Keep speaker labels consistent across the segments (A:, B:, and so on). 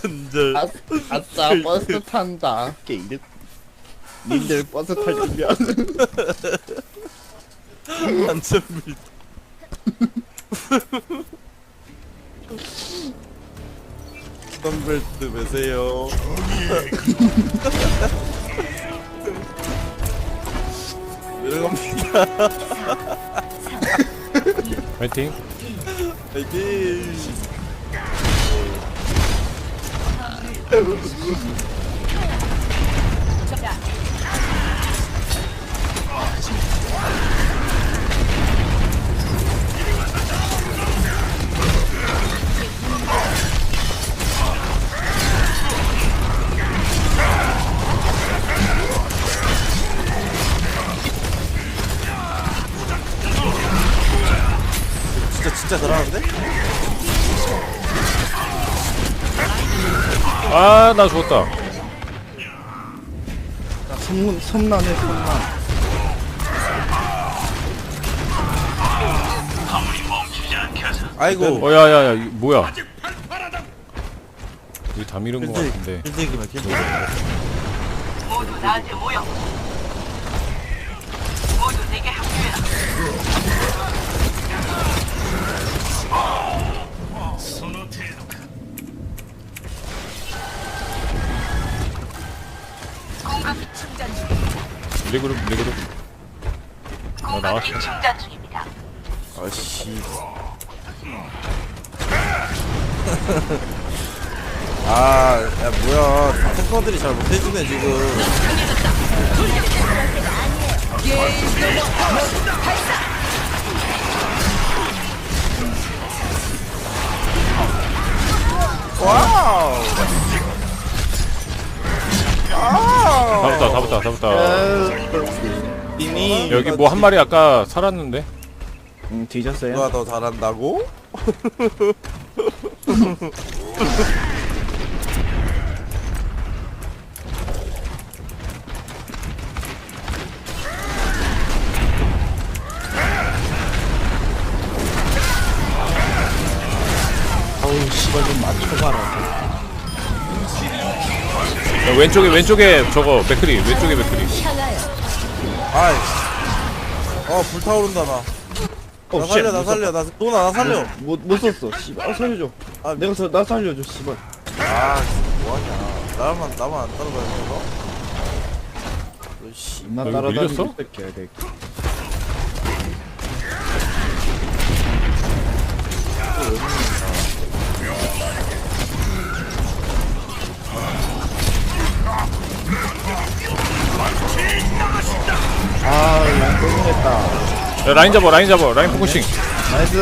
A: 근절.
B: 아싸 버스 탄다. 게이득. 님들 버스 타려면
A: 안전벨트. 안전벨트 매세요. 내려갑니다.
C: 파이팅.
A: 파이팅. 진짜 잘하는데?
C: 아, 나 죽었다.
B: 섬난해 섬난.
A: 아이고.
C: 야야야, 이거 뭐야? 우리 다 밀은 거 같은데.
A: 힐대기만 힐대기.
D: 모두 나한테 모여. 모두 내게 합류해라. 공급기 충전 중.
C: 밀그룹. 나 나왔어.
D: 공급기 충전 중입니다.
A: 아씨. 아, 야 뭐야? 탱커들이 잘 못해주네 지금. 와우.
C: 잡았다.
A: 이미
C: 여기 뭐 한 마리 아까 살았는데?
B: 뒤졌어요?
A: 누가 더 잘한다고?
B: 어우 씨발 좀 맞춰봐라.
C: 야, 왼쪽에 저거 맥크리. 왼쪽에 맥크리.
A: 아이. 불타오른다 나. 나 살려, 나 살려, 나 살려.
B: 못 썼어. 씨발 살려줘.
A: 아,
B: 나 살려줘 씨발.
A: 아, 뭐하냐. 나만 안 따라가야 되나? 씨.
B: 나
C: 여기
B: 따라다니고
C: 밀렸어?
B: 뺏겨야 돼. 아, 양 고생했다.
C: 야, 라인 잡아. 라인 포커싱.
B: 나이스.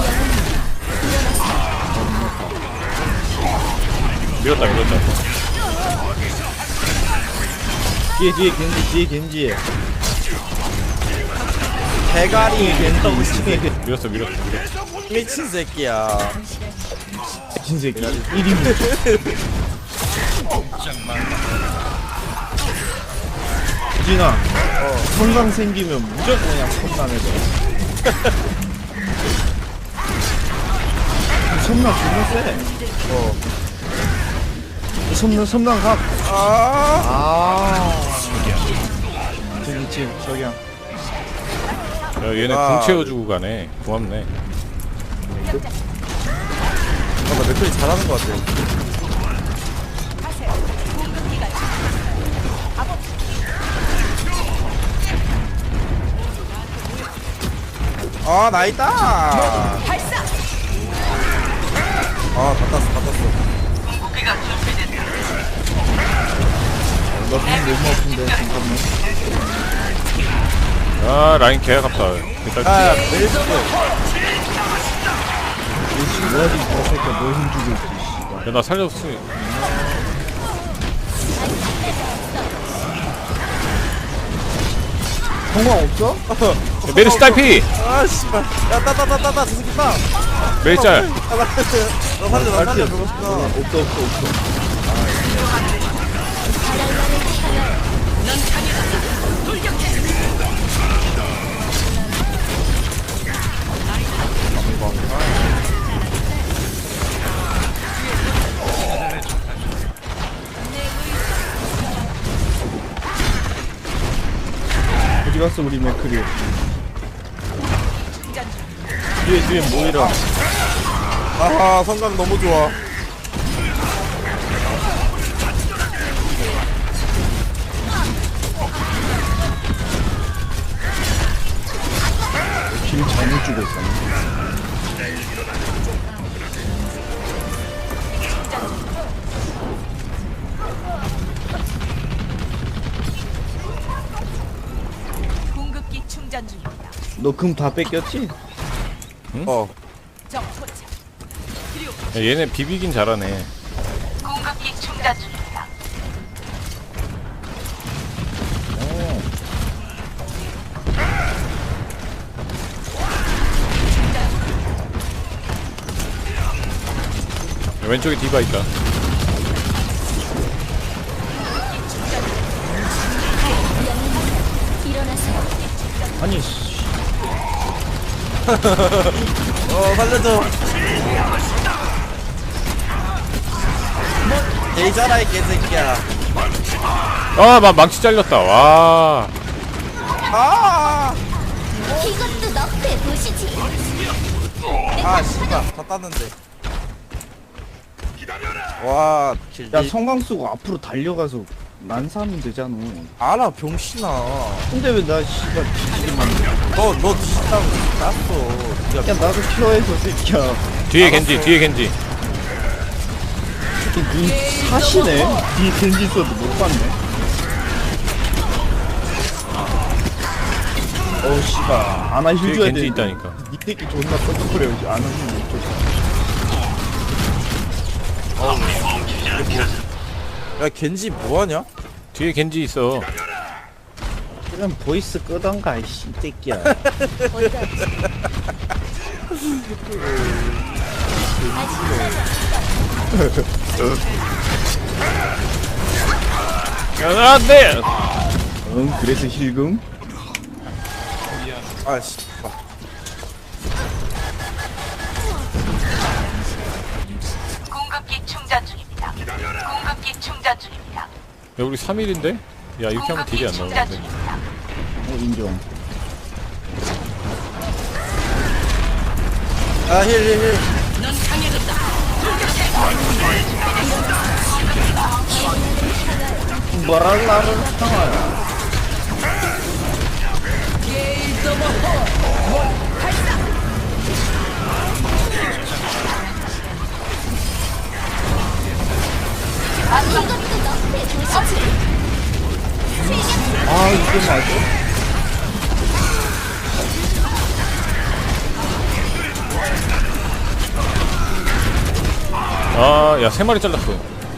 C: 밀었다.
B: 뒤에 겐지. 대가리 겐지.
C: 밀었어.
A: 미친 새끼야.
B: 미친 새끼. 1인분. 유진아, 성강 생기면 무조건 그냥 섬난해져. 섬난 존나 세. 섬난 각. 저기야.
C: 야, 얘네 궁 채워주고 가네. 고맙네.
A: 나 맥클이 잘하는 것 같아. 나 있다. 다 땄어.
D: 공급기가 준비됐다.
B: 나 그냥 너무 아픈데, 잠깐만.
C: 아, 라인 개 아깝다.
A: 야, 멜스.
B: 뭐하지, 저 새끼야, 뭘 힘주고 있지, 씨발.
C: 야, 나 살렸어.
B: 성광 없어?
C: 야, 메르시 딸피!
A: 아, 씨발. 야, 따, 저 새끼 따.
C: 메르시 짤.
A: 나 살려, 저거 싶다.
B: 없어. 갔어 우리 맥크리. 뒤에 모이라.
A: 아하 성강 너무 좋아.
B: 길 잘못 주고 있었네.
D: 공급기 충전 중입니다.
B: 너 금 다 뺏겼지?
A: 어.
D: 적 포착. 그리고
C: 야, 얘네 비비긴 잘하네.
D: 공급기 충전 중입니다.
C: 야, 왼쪽에 디바 있다.
B: 아니 씨.
A: 살려줘. 개이잖아 이 개새끼야.
C: 아, 망치 잘렸다. 와.
A: 아.
E: 이것도 너프에 보시지.
A: 아 씨발 다 땄는데. 와 길지.
B: 야 성광 쓰고 앞으로 달려가서 난사하면 되잖아.
A: 알아 병신아.
B: 근데 왜 나 씨발 뒤지기만 해?
A: 너 뒤진다고 땄어.
B: 야 나도 큐어해서 새끼야.
C: 뒤에 겐지, 뒤에 겐지.
B: 새끼 눈 사시네. 뒤에 겐지 있어도 못 봤네. 어우 씨발 아나 힐
C: 뒤에
B: 줘야
C: 겐지
B: 돼.
C: 있다니까.
B: 이 새끼 존나 뻔뻔거려. 안 하면 못 줘.
A: 야 겐지 뭐하냐?
C: 뒤에 겐지 있어.
B: 그냥 보이스 끄던가 이 새끼야.
C: 야, 안 돼!
B: 응 그래서 힐금?
A: 아 씨.
D: 공급기 충전 중입니다. 공급기 충전 중입니다.
C: 야, 우리 3일인데? 야, 이렇게 하면 딜이 안
D: 충전
C: 나오는데.
D: 중입니다.
B: 인정.
A: 힐.
B: 뭐랄 나를 상하야.
E: 이것도 너프에 보시지.
B: 아 이게 맞아?
C: 아, 야, 3마리 잘랐어.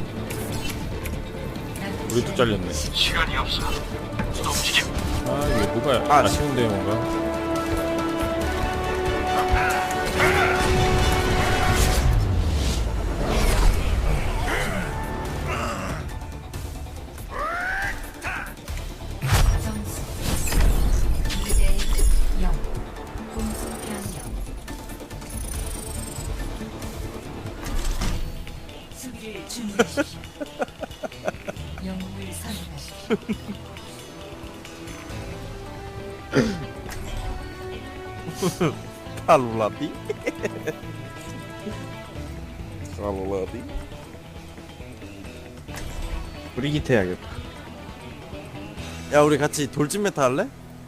C: 우리도 잘렸네.
D: 시간이 없어. 움직임.
C: 아, 이게 뭐가 아쉬운데, 뭔가.
A: 칼로라디? 칼로라디?
B: 브리기트 해야겠다.
A: 야 우리 같이 돌진 메타 할래?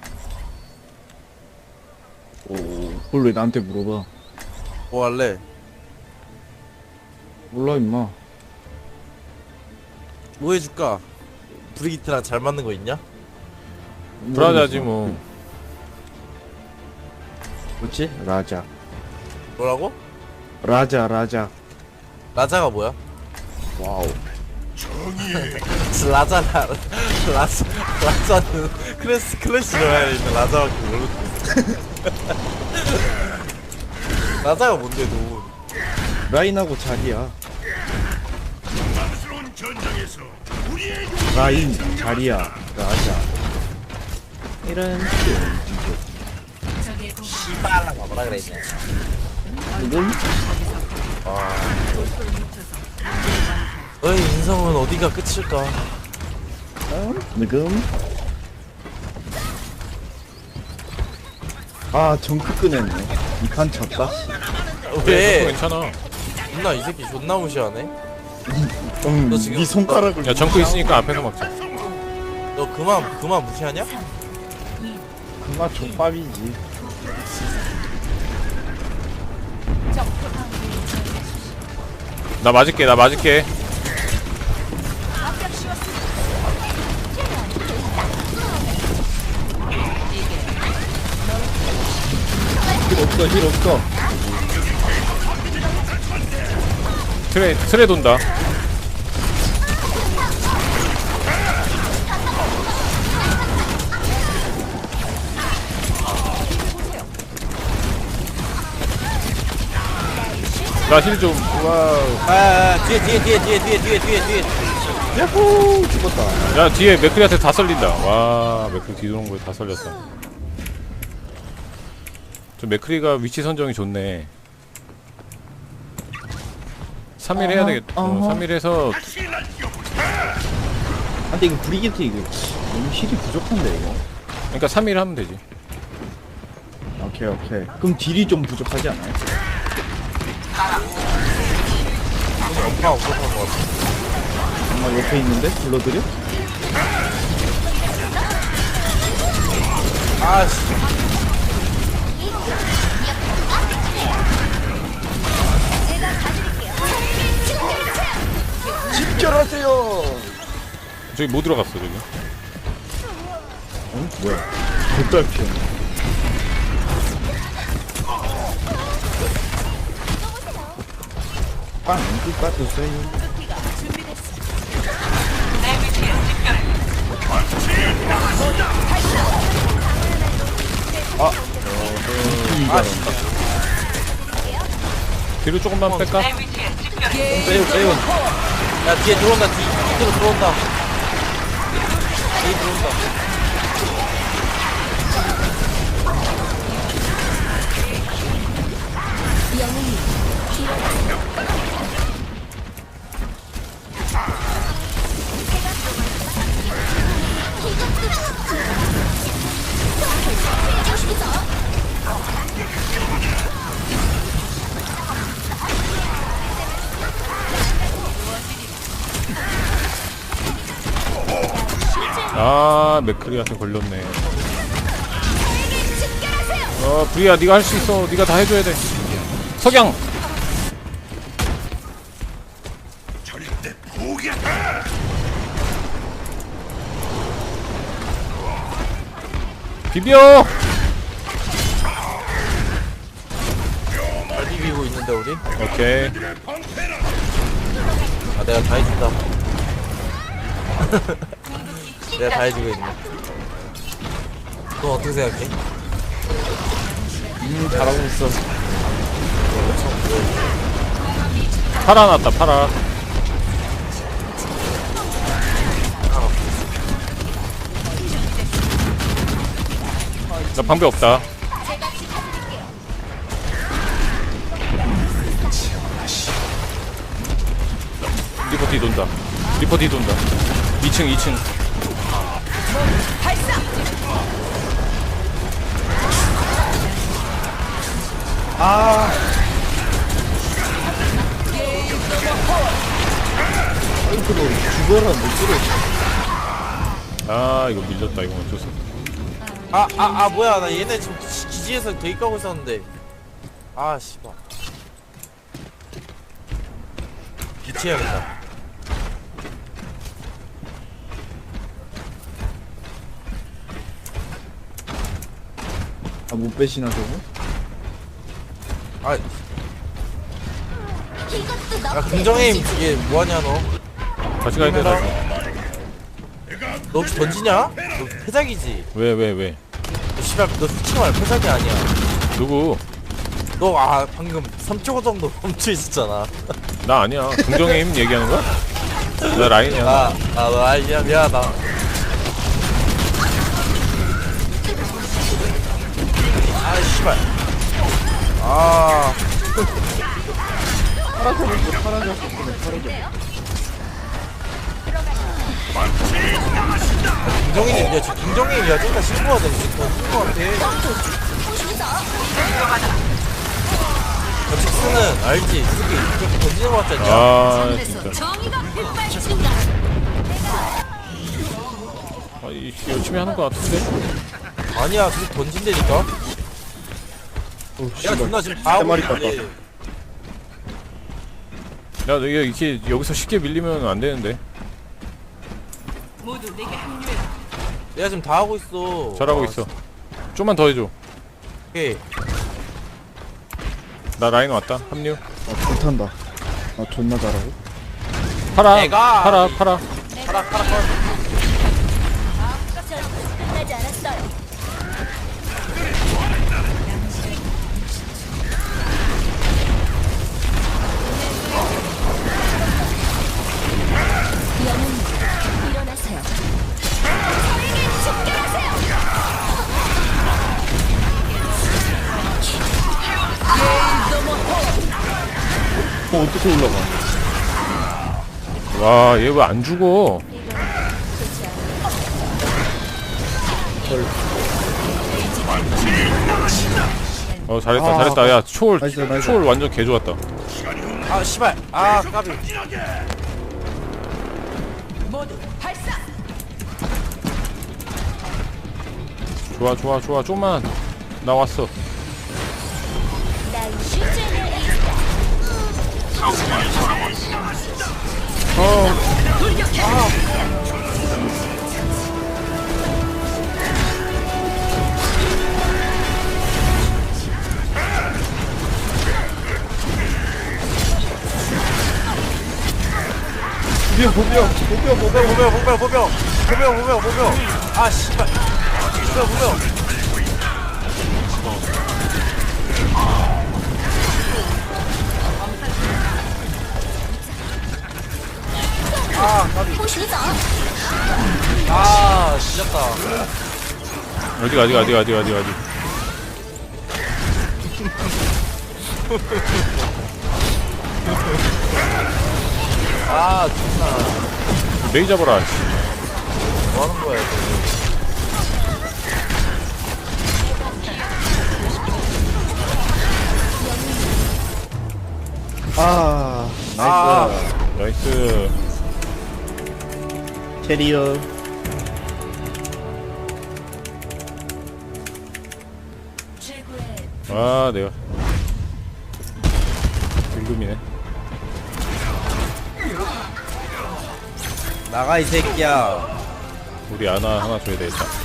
B: 오 그걸 왜 나한테 물어봐?
A: 뭐 할래?
B: 몰라 임마.
A: 뭐 해줄까? 브리기트랑 잘 맞는 거 있냐?
C: 브라자지, 뭐.
B: 뭐지? 라자.
A: 뭐라고?
B: 라자.
A: 라자가 뭐야?
B: 와우.
A: 라자는 클래시 넣어야 되는데 라자밖에 모르고 라자가 뭔데 너?
B: 라인하고 자리야. 라인, 자리야, 라자. 이런
A: 씨발라 뭐라 그랬냐?
B: 이건
A: 너의 인성은 어디가 끝일까?
B: 느금 아 정크 꺼냈네. 이 칸 졌다.
A: 왜?
C: 괜찮아.
A: 누나 이 새끼 존나 무시하네. 너 지금-
B: 네 손가락을.
C: 야 정크 있으니까 앞에서 막자.
A: 너 그만 무시하냐?
B: 그만 족밥이지.
C: 나 맞을게.
B: 힐 없어.
C: 트레 돈다. 나 힐 좀.
B: 와우.
A: 뒤에.
B: 야호 죽었다.
C: 야 뒤에 맥크리한테 다 썰린다. 와 맥크리 뒤도는 거에 다 썰렸어. 저 맥크리가 위치 선정이 좋네. 3일 해야 되겠다. 3일 해서
B: 아, 근데 이거 브리게트 이거 너무 힐이 부족한데 이거.
C: 그러니까 3일 하면 되지.
B: 오케이. 그럼 딜이 좀 부족하지 않아요?
A: 엄마 없었던 것 같아.
B: 정말 옆에 있는데 불러드려?
A: 아씨.
B: 집결하세요.
C: 저기 뭐 들어갔어 저기.
B: 어? 뭐야? 돗달 피어. 빵 끝까졌어요.
C: 뒤로 조금만 뺄까?
B: 빼요.
A: 야 뒤에 들어온다. 뒤로 들어온다. 뒤에 들어온다.
C: 아 맥크리한테 걸렸네. 브리야 네가 할 수 있어. 네가 다 해줘야 돼. 석양. 비벼.
A: 잘 비비고 있는데 우리?
C: 오케이.
A: 아 내가 다 해준다. 내가 다 해주고 있네. 넌 어떻게 생각해?
B: 잘하고 있어.
C: 파라 났다 파라. 나 방배 없다. 리퍼 뒤 돈다. 2층.
B: 아. 아이고 죽어라 못 들어.
C: 아 이거 밀렸다. 이거 어쩔 수 없다.
A: 뭐야. 나 얘네 지금 기지에서 대기 까고 있었는데. 아, 씨발. 기치해야겠다.
B: 아 못 빼시나 저거?
A: 아,
E: 이것도
A: 야,
E: 너프의
A: 긍정의 힘
E: 도시지.
A: 이게 뭐하냐, 너?
C: 다시 가야 돼 다시.
A: 너 혹시 던지냐? 너 패작이지?
C: 왜?
A: 너 씨발, 너 솔직히 말해, 패작이 아니야.
C: 누구?
A: 너, 방금 3초 정도 멈춰 있었잖아.
C: 나 아니야. 긍정의 힘 얘기하는 거야? 나 라인이야.
A: 너 아니야, 미안하다. 씨발. 긍정의 힘이야, 지금 긍정의 힘이야. 좀 더 신고가 돼, 지금 더 신고 같아. 저 픽스는 알지? 이렇게 던지는 거 같지 않냐?
C: 아 진짜.
E: 정의가 빛발친다.
C: 아, 열심히 하는 거 같은데.
A: 아니야, 그렇게 던진다니까?
B: 오
A: 내가
B: 씨발
A: 존나 지금 다 하고
B: 마리
A: 있는데.
B: 깠다.
C: 야, 너 이렇게 여기서 쉽게 밀리면 안 되는데.
D: 모두 내게 합류해.
A: 내가 지금 다 하고 있어.
C: 잘하고
A: 아,
C: 있어. 좀만 더 해줘.
A: 오케이.
C: 나 라인 왔다. 합류.
B: 아 불탄다. 아 존나 잘하고.
C: 팔아.
A: 내가-
C: 팔아.
A: 파라.
E: 끝나지 않았어요. 영웅 일어나세요. 저에게 집결하세요.
B: 어떻게 올라가?
C: 와, 얘 왜 안 죽어? 잘했다,
B: 아,
C: 잘했다. 야, 초월,
B: 나이스, 나이스.
C: 초월 완전 개 좋았다.
A: 아, 씨발. 아, 까비.
D: 모두 발사.
C: 좋아, 좋아, 좋아. 좀만. 나 왔어.
E: 난 슈즈를
A: 보병. 아, 씨발. 보병. 아, 까비.
E: 보시죠.
A: 아, 지렸다.
C: 어디.
A: 아, 존나.
C: 메이 잡아라. 씨.
A: 뭐 하는 거야, 이거.
B: 아 나이스.
A: 아.
C: 나이스.
B: 캐리어.
C: 아, 내가. 불금이네.
A: 나가, 이 새끼야.
C: 우리 하나 줘야 되겠다.